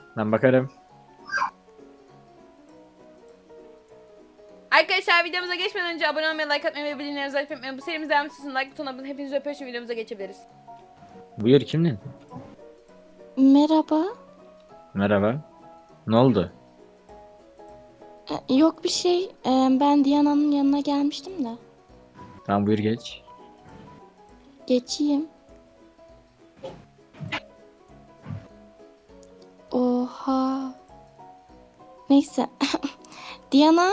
Ben bakarım. Arkadaşlar videomuza geçmeden önce abone olmayı, like atmayı ve bildirimleri açmayı unutmayın. Bu serimiz devam etsin. Like butonuna basın. Hepinizi öpüyorum. Şimdi videomuza geçebiliriz. Buyur kimdin? Merhaba. Merhaba. Ne oldu? Yok bir şey. Ben Diana'nın yanına gelmiştim de. Tamam buyur geç. Geçeyim. Oha. Neyse. Diana.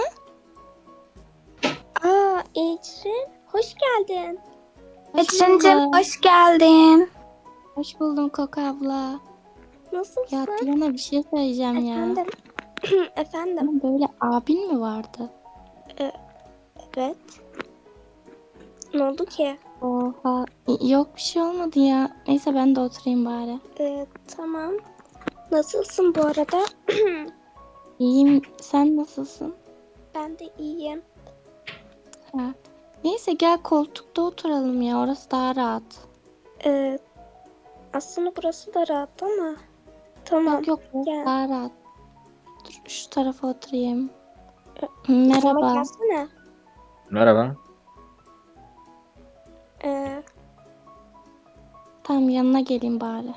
Ecrin, hoş geldin. Hoş Ecrin'cim, buldum. hoş geldin. Hoş buldum Koko abla. Nasılsın? Ya Diana bir şey söyleyeceğim ya. Efendim? Efendim? Senin böyle abin mi vardı? Evet. Ne oldu ki? Oha. Yok bir şey olmadı ya. Neyse ben de oturayım bari. Tamam. Nasılsın bu arada? İyiyim. Sen nasılsın? Ben de iyiyim. Ha. Neyse gel koltukta oturalım ya. Orası daha rahat. Aslında burası da rahat ama. Tamam. Yok yok burası Gel. daha rahat. Dur şu tarafa oturayım. Sana Merhaba. gelsene. Merhaba. Ee, Tamam yanına geleyim bari.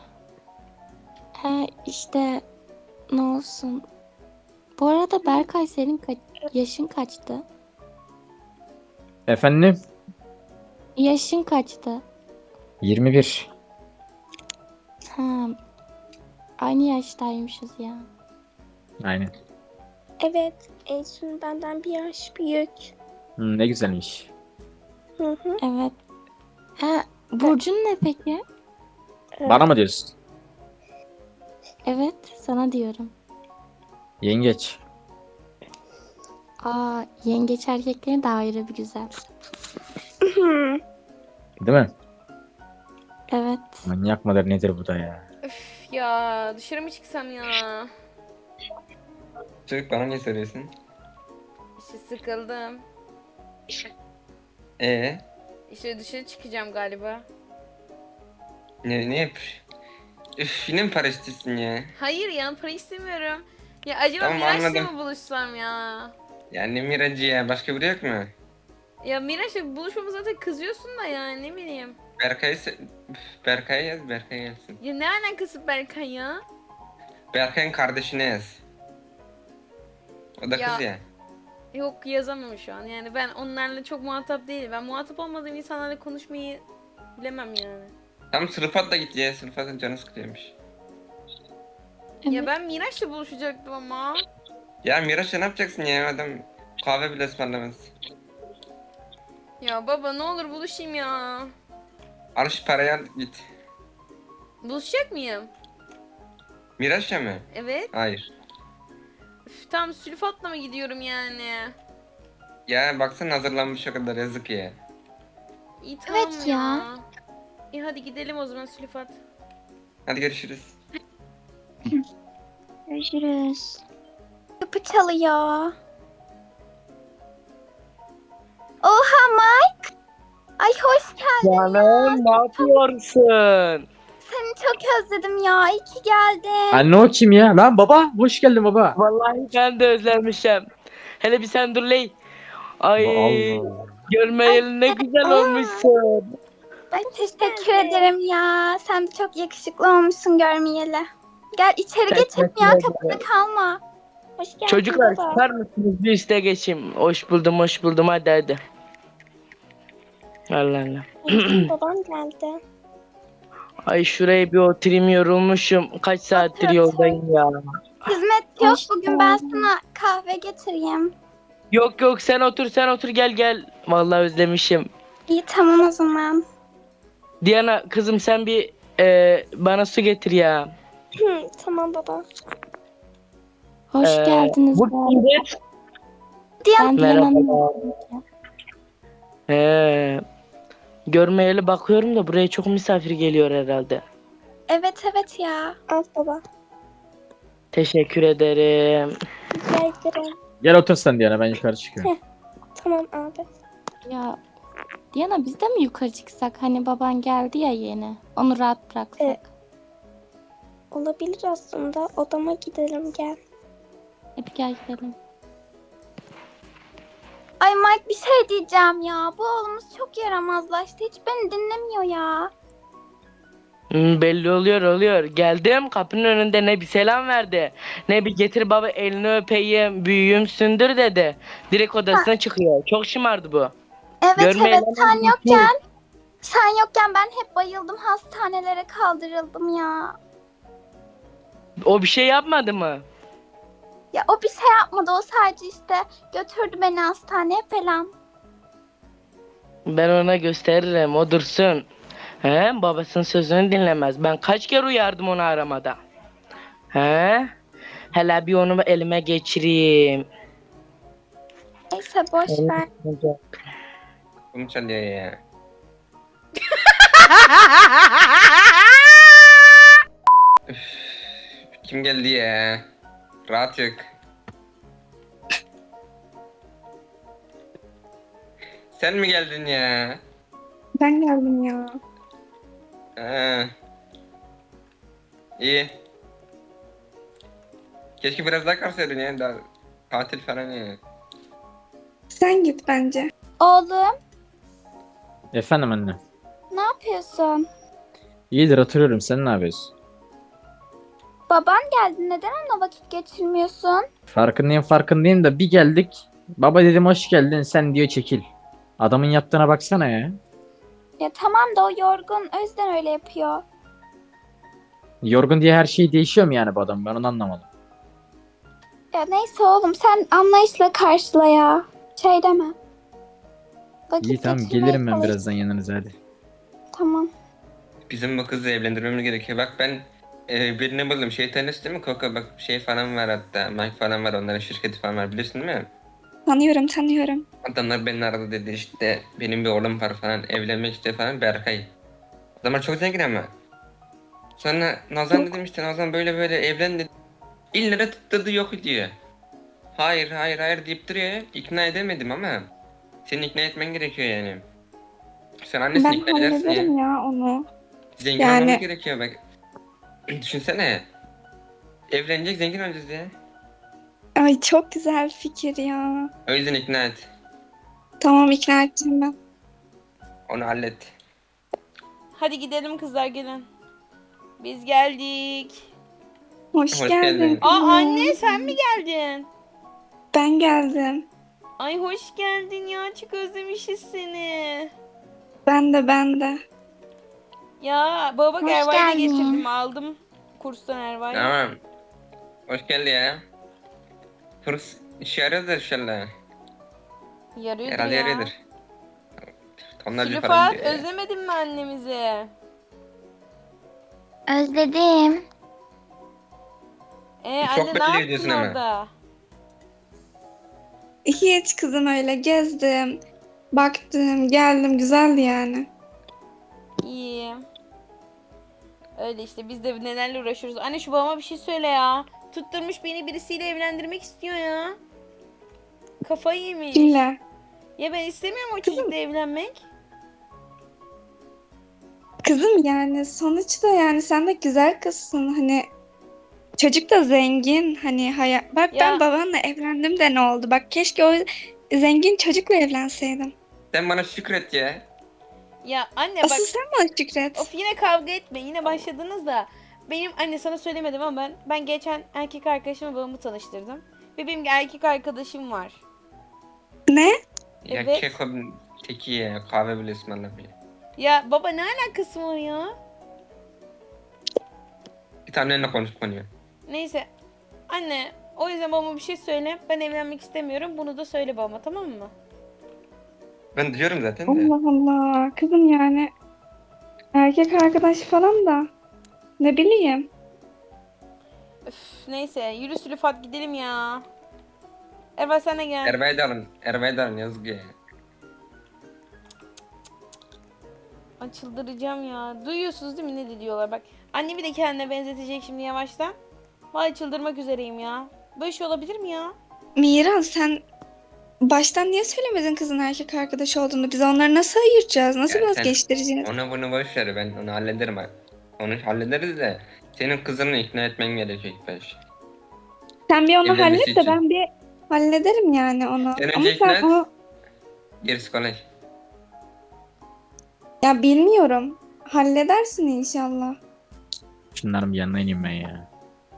İşte ne olsun. Bu arada Berkay senin yaşın kaçtı? Efendim? Yaşın kaçtı? 21. Ha, aynı yaştaymışız ya. Aynen. evet. Ecrin benden bir yaş büyük. Ne güzelmiş. Hı hı. Evet. Burcun ne peki? Bana mı diyorsun? Evet sana diyorum. Yengeç. Yengeç erkekleri de ayrı bir güzel. Değil mi? Evet. Manyak mıdır nedir bu da ya? Üf ya dışarı mı çıksam ya? Çocuk bana niye soruyorsun? İşte sıkıldım. Ee, İşte dışarı çıkacağım galiba. ne yap? Üf, yine mi para istiyorsun ya? Hayır ya para istemiyorum. Ya acaba Tamam, Miraç'la anladım. mı buluşsam ya? Ya ne miracı ya, başka biri yok mu? Ya Miraç'la buluşmamı zaten kızıyorsun da ya ne bileyim. Berkay'a yaz, Berkay gelsin. Ya ne alakası Berkay ya? Berkay'ın kardeşine yaz. O da Ya- kız ya. Yok yazamam şu an yani ben onlarla çok muhatap değilim. Ben muhatap olmadığım insanlarla konuşmayı bilemem yani. Tam sınıfa da git ya, sınıfa canı sıkılıyormuş. Evet. Ya ben Miraç'la buluşacaktım ama. Ya Miraç'la ne yapacaksın ya, adam kahve bile ısmarlamaz. Ya baba ne olur buluşayım ya. Al şu parayı, al git. Buluşacak mıyım? Miraç'la mı? Evet. Hayır. Üf, tam sülfatla mı gidiyorum yani? Ya baksana, hazırlanmış o kadar, yazık ya. İyi tamam Evet ya. ya. İyi hadi gidelim o zaman sülfat. Hadi görüşürüz. Görüşürüz. Kapı çalıyor. Oha Mike. Ay hoş geldin. Canım ne yapıyorsun? Seni çok özledim ya. İyi ki geldin. Anne o kim ya? Lan baba hoş geldin baba. Vallahi ben de özlemişim. Hele bir sen dur ley. Ay Allah. görmeyeli ne güzel olmuşsun. Ay teşekkür ederim ya. Sen de çok yakışıklı olmuşsun görmeyeli. Gel içeri geçelim ya. Kapıda kalma. Hoş geldin Çocuklar baba. çıkar mısınız bir üste geçeyim. Hoş buldum hadi hadi. Allah Allah. Babam geldi. Ay şuraya bir oturayım, yorulmuşum. Kaç saattir Otur, yoldayım ya. Hizmet yok. Hoş Bugün ben geldin. sana kahve getireyim. Yok sen otur gel. Vallahi özlemişim. İyi tamam o zaman. Diana kızım sen bir bana su getir ya. Tamam baba. Hoş geldiniz. Bu kimdir? Ben Diana'nın Merhaba. Görmeyeli bakıyorum da buraya çok misafir geliyor herhalde. Evet ya. Al baba. Teşekkür ederim. Rica ederim. Gel otur sen Diana ben yukarı çıkıyorum. Tamam abi. Ya Diana biz de mi yukarı çıksak? Hani baban geldi ya yeni. Onu rahat bıraksak. Evet. Olabilir aslında. Odama gidelim gel. Hadi gel gidelim. Ay Mike bir şey diyeceğim ya. Bu oğlumuz çok yaramazlaştı. Hiç beni dinlemiyor ya. Belli oluyor. Geldim kapının önünde ne bir selam verdi. Ne bir getir baba elini öpeyim büyüğüm sündür dedi. Direkt odasına çıkıyor. Çok şımardı bu. Evet Görmeyelim evet sen ama yokken. Sen yokken ben hep bayıldım. Hastanelere kaldırıldım ya. O bir şey yapmadı mı? Ya o bir şey yapmadı. O sadece işte götürdü beni hastaneye falan. Ben ona gösteririm o dursun. He, babasının sözünü dinlemez. Ben kaç kere uyardım onu aramada. He? Hele bir onu elime geçireyim. Neyse boş ver. Bunu çalıyor ya. Üf, kim geldi ya? Rahat yok. Sen mi geldin ya? Ben geldim ya. Ha. İyi. Keşke biraz daha kalsaydın ya. Daha tatil falan ya. Sen git bence. Oğlum Efendim anne. ne yapıyorsun? İyidir oturuyorum. Sen ne yapıyorsun? Baban geldi. Neden onunla vakit geçirmiyorsun? Farkındayım da bir geldik. Baba dedim hoş geldin. Sen diyor çekil. Adamın yaptığına baksana ya. Ya tamam da o yorgun. O yüzden öyle yapıyor. Yorgun diye her şey değişiyor mu yani bu adam? Ben onu anlamadım. Ya neyse oğlum sen anlayışla karşıla ya. Şey deme. Vakit İyi tamam geçirmeye gelirim ben çalış. birazdan yanınıza hadi. Tamam. Bizim bu kızı evlendirmemiz gerekiyor. Bak ben birini buldum. Şey tanesi değil mi? Koko bak şey falan var hatta. Mike falan var. Onların şirketi falan var. Biliyorsun değil mi? Tanıyorum. Adamlar beni aradı dedi işte benim bir oğlum var falan evlenmek istiyor falan Berkay. Adamlar çok zengin ama. Sonra Nazan dedim işte Nazan böyle böyle evlen dedi. İllere tutturdu yok diyor. Hayır deyip duruyor. İkna edemedim ama. Seni ikna etmen gerekiyor yani. Sen annesini Ben ikna edersin ya. hallederim ya onu. Zengin Yani- olmamız gerekiyor bak. Düşünsene. Evlenecek zengin olacağız ya. Ay çok güzel fikir ya. O yüzden ikna et. Tamam ikna edeceğim ben. Onu hallet. Hadi gidelim kızlar gelin. Biz geldik. Hoş, Hoş geldin. geldin. Aa anne sen mi geldin? Ben geldim. Ay hoş geldin ya çok özlemişiz seni. Ben de. Ya baba Hoş Erva'yı da geldin. getirdim aldım kurstan Erva'yı. Tamam. Hoş geldin ya. Kurs işe yarıyordur inşallah. Yarıyordur Herhalde ya. yarıyordur. Tonlarca para Süleyfat gidiyor ya. özlemedin mi annemizi? Özledim. Çok Anne belli ne yaptın ediyorsun ama. orada? Hiç kızım öyle gezdim. Baktım, geldim. Güzeldi yani. İyi. Öyle işte biz de nelerle uğraşıyoruz. Anne şu babama bir şey söyle ya. Tutturmuş beni birisiyle evlendirmek istiyor ya. Kafayı yemiş. Kimle? Ya ben istemiyorum o çocukla evlenmek. Kızım yani sonuçta yani sen de güzel kızsın. Hani çocuk da zengin. Hani bak Ya- ben babanla evlendim de ne oldu? Bak keşke o zengin çocukla evlenseydim. Sen bana şükret ya. Ya anne bak Asıl sen bana şükret. of yine kavga etme. Yine başladınız da. Benim anne sana söylemedim ama ben geçen erkek arkadaşımla babamı tanıştırdım. Ve benim erkek arkadaşım var. Ne? Ya Evet. keko teki ya. Kahve bile ısmarlamıyor. Ya baba ne alakası var ya? Bir tane konuş konuyu. Neyse. Anne o yüzden babama bir şey söyle. Ben evlenmek istemiyorum. Bunu da söyle babama tamam mı? Ben diyorum zaten de. Allah Allah. Kızım yani erkek arkadaş falan da ne bileyim. Üf, neyse yürü Süleyfat gidelim ya. Erva sen de gel. Erbay'ı da alın yazık ya. Ay çıldıracağım ya. Duyuyorsunuz değil mi ne diyorlar bak. Annemi de kendine benzetecek şimdi yavaştan. Vay çıldırmak üzereyim ya. Böyle şey olabilir mi ya? Miran sen baştan niye söylemedin kızın erkek arkadaş olduğunu? Biz onları nasıl ayıracağız? Nasıl Ya sen- vazgeçtireceğiz? Onu bunu boş ver ben onu hallederim. Onu hallederiz de. Senin kızını ikna etmen gerekiyor ilk baş. Sen bir onu Evlenmesi hallet de için. ben bir hallederim yani onu. Sen Ama önce ikna sen et. onu Gerisi kolay. ya bilmiyorum. Halledersin inşallah. Şunların bir yanına ineyim ben ya.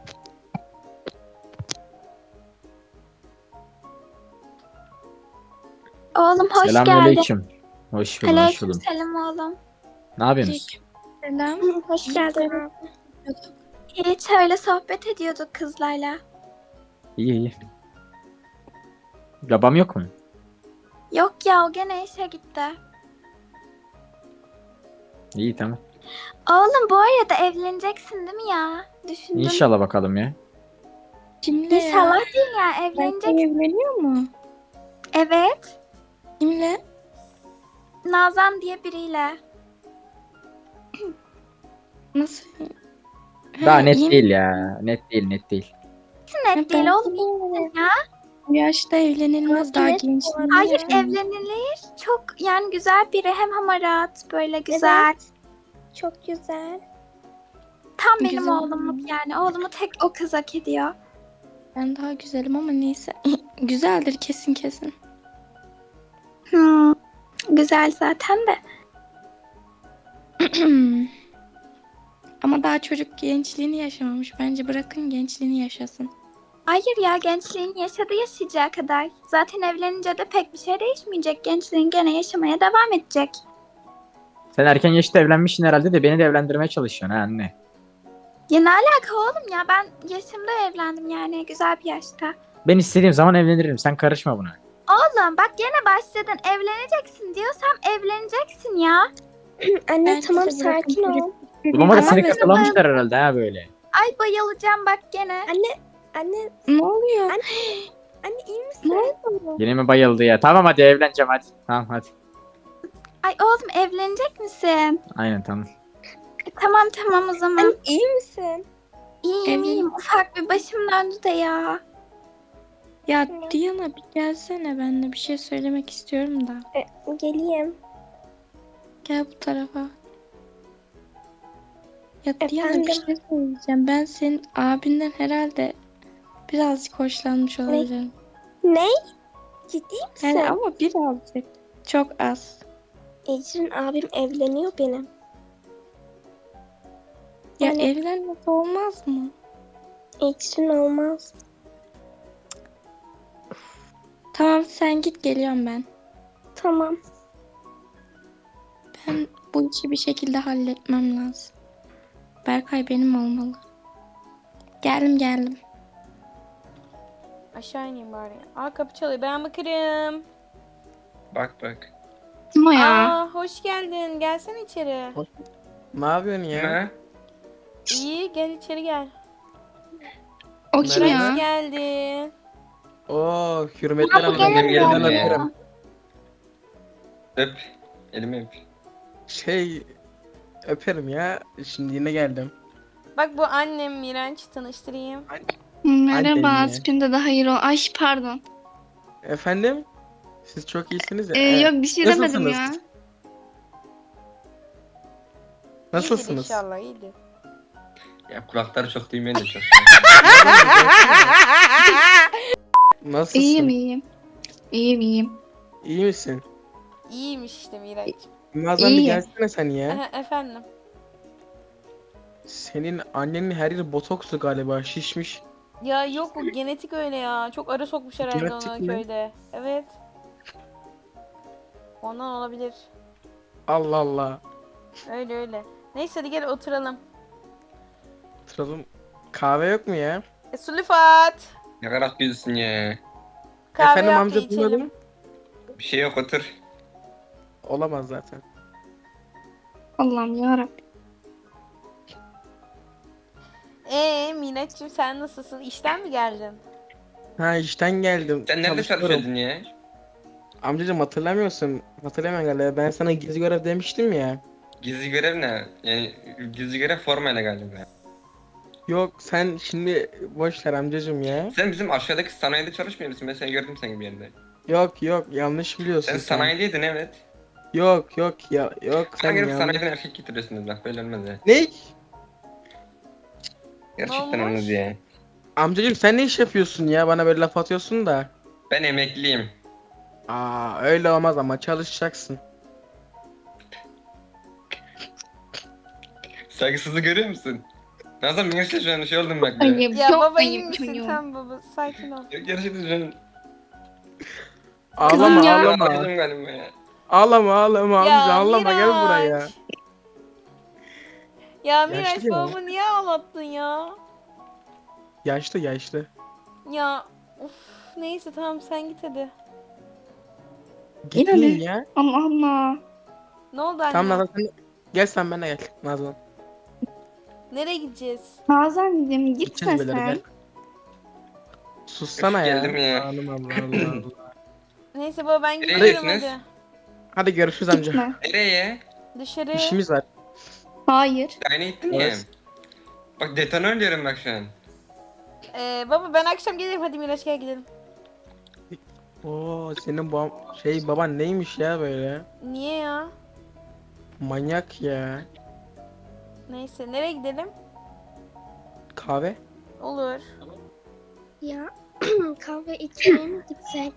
Oğlum hoş geldin. Selamünaleyküm. Hoş buldum, hoş Aleyküm buldum. selam oğlum. Ne yapıyorsunuz? Selam. Hoş geldin. Hiç öyle sohbet ediyorduk kızlarla. İyi iyi. Babam yok mu? Yok ya o gene işe gitti. İyi tamam. Oğlum bu arada evleneceksin değil mi ya? Düşündüm. İnşallah bakalım ya. Kimle ya? İnşallah değil ya Berkay evleneceksin. evleniyor mu? Evet. Kimle? Nazan diye biriyle. Nasıl? Daha Ha, net yeni- değil ya. Net değil, net değil. Net değil ben- oğlum ya. Bu yaşta evlenilmez daha genç. Hayır evlenilir. Çok yani güzel biri hem hamarat böyle güzel. Çok güzel. Tam benim Güzel. oğlumluk yani. Oğlumu tek o kız hak ediyor. Ben daha güzelim ama neyse. Güzeldir kesin kesin. Güzel zaten de. Ama daha çocuk gençliğini yaşamamış. Bence bırakın gençliğini yaşasın. Hayır ya gençliğini yaşadı yaşayacağı kadar. Zaten evlenince de pek bir şey değişmeyecek. Gençliğin gene yaşamaya devam edecek. Sen erken yaşta evlenmişsin herhalde de beni de evlendirmeye çalışıyorsun ha anne. Ya ne alaka oğlum ya ben yaşımda evlendim yani güzel bir yaşta. Ben istediğim zaman evlenirim. Sen karışma buna. Oğlum bak gene başladın evleneceksin diyorsam evleneceksin ya. Anne Bence tamam de bırakın sakin ol. Bulama da Ama seni mesela- katalamışlar herhalde ha böyle. Ay bayılacağım bak gene. Anne Ne oluyor? anne iyi misin? Ne oldu? Yine mi bayıldı ya? Tamam hadi evleneceğim hadi. Tamam hadi. Ay oğlum evlenecek misin? Aynen tamam. Tamam tamam o zaman. Anne iyi misin? İyiyim Evlen- iyiyim. Ufak bir başım döndü de ya. Ya Diana bir gelsene, ben de bir şey söylemek istiyorum da. Geleyim. Gel bu tarafa. Ya Diana Efendim? bir şey söyleyeceğim. Ben senin abinden herhalde birazcık hoşlanmış olabilirim. Ne? Ciddi misin? Yani ama birazcık. Çok az. Ecrin abim evleniyor benim. Ya Yani- evlenmek olmaz mı? Ecrin olmaz. Tamam sen git, geliyorum ben. Tamam. Ben bu işi bir şekilde halletmem lazım. Berkay benim olmalı. Geldim. Aşağı ineyim bari. Aa kapı çalıyor. Ben bakarım. Bak bak. Kim o Aa hoş geldin. Gelsene içeri. Ne yapıyorsun ya? Ne? İyi gel içeri gel. O kim Merhaba. ya? Hoş geldin. Oo, hürmetler bu ama gene ben mi elinden geldi ya? öperim. Öp. Elimi öp. Şey, öperim ya. Şimdi yine geldim. Bak bu annem Miraç tanıştırayım. Merhaba, Annem mi? Sütünde de hayır ol. Ay pardon. Efendim? Siz çok iyisiniz ya. Yok bir şey demedim ya. Nasılsınız? İyidir Nasılsınız? inşallah iyidir. Ya kulakları çok duymayan da çok. Nasılsın? iyiyim. İyiyim. İyi misin? İyiymiş işte Miraç. Nazan bir İyiyim. gelsene sen ya. Aha, efendim. Senin annenin her yeri botoksu galiba, şişmiş. Ya yok bu genetik öyle ya. Çok ara sokmuş herhalde Genetik ona mi? köyde. Evet. Ondan olabilir. Allah Allah. Öyle öyle. Neyse hadi gel oturalım. Oturalım. Kahve yok mu ya? Sulifat. Ne kadar güzelsin ya. Kahve Efendim yap da amca içelim. duymadım. Bir şey yok otur. Olamaz zaten. Allah'ım yarabbim. Miraç'cığım sen nasılsın? İşten mi geldin? Ha, işten geldim. Sen nerede Çalışıyorum. çalışıyordun ya? Amcacığım hatırlamıyorsun. Hatırlamıyorum galiba. Ben sana gizli görev demiştim ya. Gizli görev ne? Yani gizli görev formayla galiba. Yok sen şimdi boş ver amcacığım ya. Sen bizim aşağıdaki sanayide çalışmıyor musun? Ben seni gördüm seni bir yerde. Yok yanlış biliyorsun Sen sanayideydin evet. Yok ya yok Sen sen gelip yanlış. sanayiden erkek getiriyorsun bak böyle olmaz ya. Ne? Gerçekten olmuş? onu diye. Amcacığım sen ne iş yapıyorsun ya? Bana böyle laf atıyorsun da. Ben emekliyim. Öyle olmaz ama çalışacaksın. Saygısızlığı görüyor musun? Nazan benim şu an şey oldum bak. Ya. Ayıp, Ya çok baba iyi ayıp misin? çocuğum. Tamam baba sakin ol. Gerçekten şu an Ağlama ya. ağlama. ağladım galiba ya. Ağlama amca Ya ağlama gel buraya. Miraç. Ya Miraç Yaşlı ya. babamı niye ağlattın ya? Yaşlı. Ya uf neyse tamam sen git hadi. Gitmeyin Yine de. ya. Allah Allah. Ne oldu anne? Tamam Nazan sen gel sen benimle gel Nazan. Nereye gideceğiz? Nazan'cığım gitme Gideceğiz böyle, sen. gel. Sussana Üf, ya. geldim ya. Allah Allah. Neyse baba ben gidiyorum Neredesiniz? hadi. Hadi görüşürüz amca. Gitme. Nereye? Dışarı. İşimiz var. Hayır. Aynı gittin ya. Evet. Bak detonör diyorum bak şu an. Baba ben akşam gelirim hadi Miraç gel gidelim. Oo senin baban neymiş ya böyle? Niye ya? Manyak ya. Neyse nereye gidelim? Kahve? Olur. Ya kahve içmeye mi gitsek?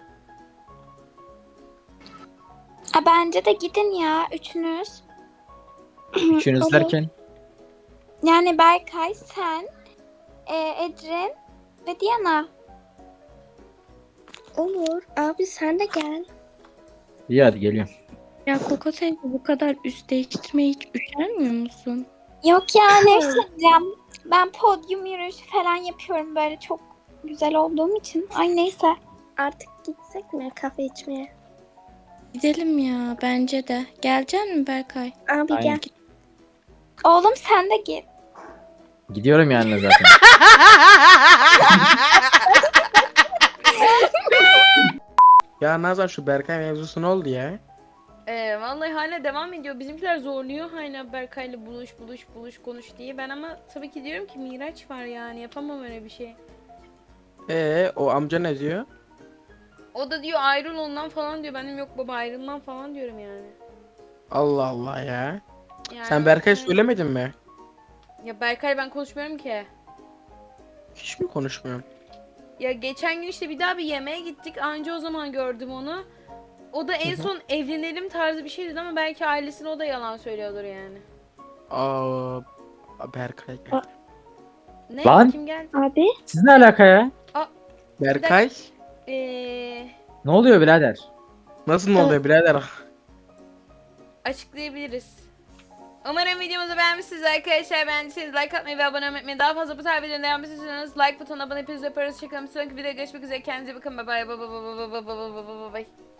Bence de gidin ya üçünüz. Üçünüz Olur. derken. Yani Berkay, sen, Ecrin ve Diana. Olur. Abi sen de gel. İyi hadi geliyorum. Ya Koko teyze bu kadar üst değiştirmeye hiç üşenmiyor musun? Yok ya ne diyeceğim. Ben podyum yürüyüşü falan yapıyorum böyle çok güzel olduğum için. Ay neyse. Artık gitsek mi kahve içmeye? Gidelim ya bence de. Gelecek mi Berkay? Abi Aynen. gel. Oğlum sen de git. Gidiyorum yani zaten. Ya Nazan şu Berkay mevzusu ne oldu ya? Vallahi hala devam ediyor. Bizimkiler zorluyor hala Berkay'la buluş konuş diye. Ben ama tabii ki diyorum ki Miraç var yani yapamam öyle bir şey. O amca ne diyor? O da diyor ayrıl ondan falan diyor. Benim yok baba ayrılmam falan diyorum yani. Allah Allah ya. Yani Sen Berkay evet. söylemedin mi? Ya Berkay ben konuşmuyorum ki. Hiç mi konuşmuyorum? Ya geçen gün işte bir daha bir yemeğe gittik. Anca o zaman gördüm onu. O da en son evlenelim tarzı bir şey dedi ama belki ailesine o da yalan söylüyordur yani. Berkay geldi. Ne? Lan! Kim geldi? Abi Siz ne alaka ya? Berkay? Ne oluyor birader? Nasıl ne oluyor birader? Açıklayabiliriz. Umarım videomuzu beğenmişsiniz arkadaşlar. Beğendiyseniz like atmayı ve abone olmayı unutmayın. Daha fazla bu tarz videoların devam istiyorsanız like butonuna abone hepinizi öpüyoruz. Hoşçakalın. Sonraki videoda görüşmek üzere. Kendinize bakın. Bye bye. Bye bye. Bye bye. Bye bye. Bye bye.